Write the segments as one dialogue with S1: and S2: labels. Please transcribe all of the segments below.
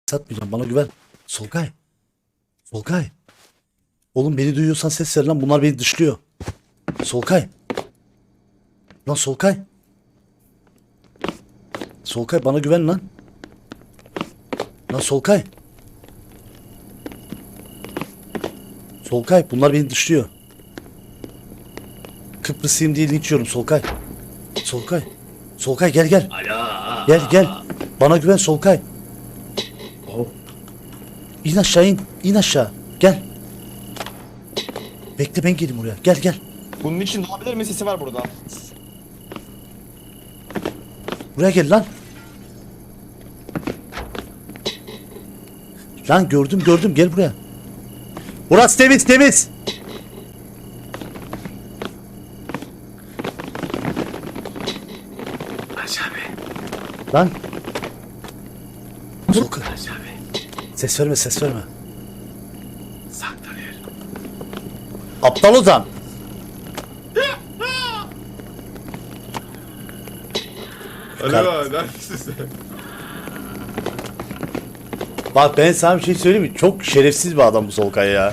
S1: Satmayacağım, bana güven. Solkay. Solkay. Oğlum beni duyuyorsan ses ver lan, bunlar beni dışlıyor. Solkay. Lan Solkay. Solkay bana güven lan. Lan Solkay. Solkay bunlar beni dışlıyor. Kıbrıslıyım diye linç yiyorum Solkay. Solkay. Solkay gel gel. Gel gel. Bana güven Solkay. İn aşağı in. İn aşağı. Gel. Bekle ben geleyim oraya. Gel gel.
S2: Bunun için olabilir mi? Sesi var burada.
S1: Buraya gel lan. Lan gördüm gördüm, gel buraya. Burası temiz temiz. Lan. Solkay. Ses verme ses verme.
S3: Saklanıyor.
S1: Aptal Ozan.
S3: Alo, neredesin sen?
S1: Bak ben sana bir şey söyleyeyim mi? Çok şerefsiz bir adam bu Solkay ya.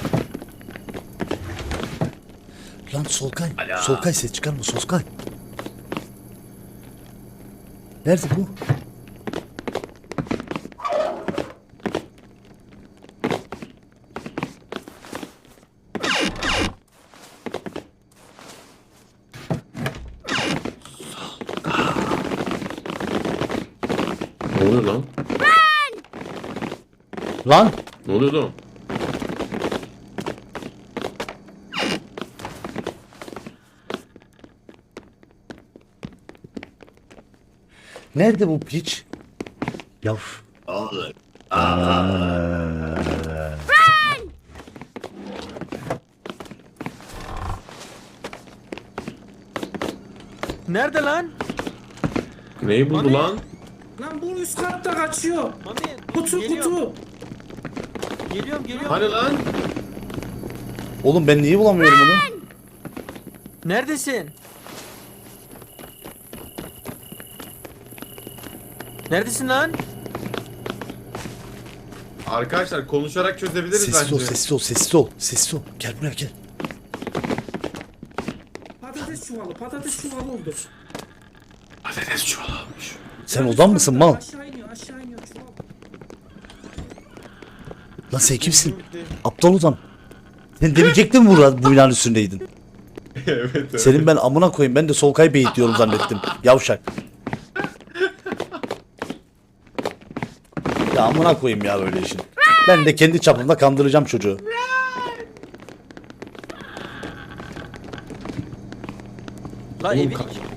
S1: Lan Solkay.
S3: Alo.
S1: Solkay ses çıkarma Solkay. Nerede bu?
S3: Ne oluyor lan?
S1: Lan.
S3: Ne oluyor lan?
S1: Nerede bu piç? Yav.
S3: Olur.
S4: Nerede lan?
S3: Neyi buldu
S4: Hani?
S3: lan?
S5: Lan bu üst katta kaçıyor.
S4: Mami
S5: Kutu
S4: geliyorum.
S5: kutu.
S4: Geliyorum.
S3: Hani lan?
S1: Oğlum ben niye bulamıyorum bunu?
S4: Neredesin? Neredesin lan?
S3: Arkadaşlar konuşarak çözebiliriz
S1: Sessiz ol
S3: bence.
S1: sessiz ol sessiz ol. Sessiz ol. Gel buraya gel.
S5: Patates çuvalı oldu.
S3: Patates çuvalı olmuş.
S1: Sen odan mısın mal?
S5: Aşağı iniyor çuval.
S1: Lan sen kimsin? Aptal Ozan. Sen demeyecektin mi bu binanın üstündeydin?
S3: Evet.
S1: Senin ben amına koyayım. Ben de Solkay Beyit diyorum zannettim. Yavşak. Ya amına koyayım ya böyle işin. Ben de kendi çapımda kandıracağım çocuğu.
S4: Lan
S3: Oğlum,
S4: evin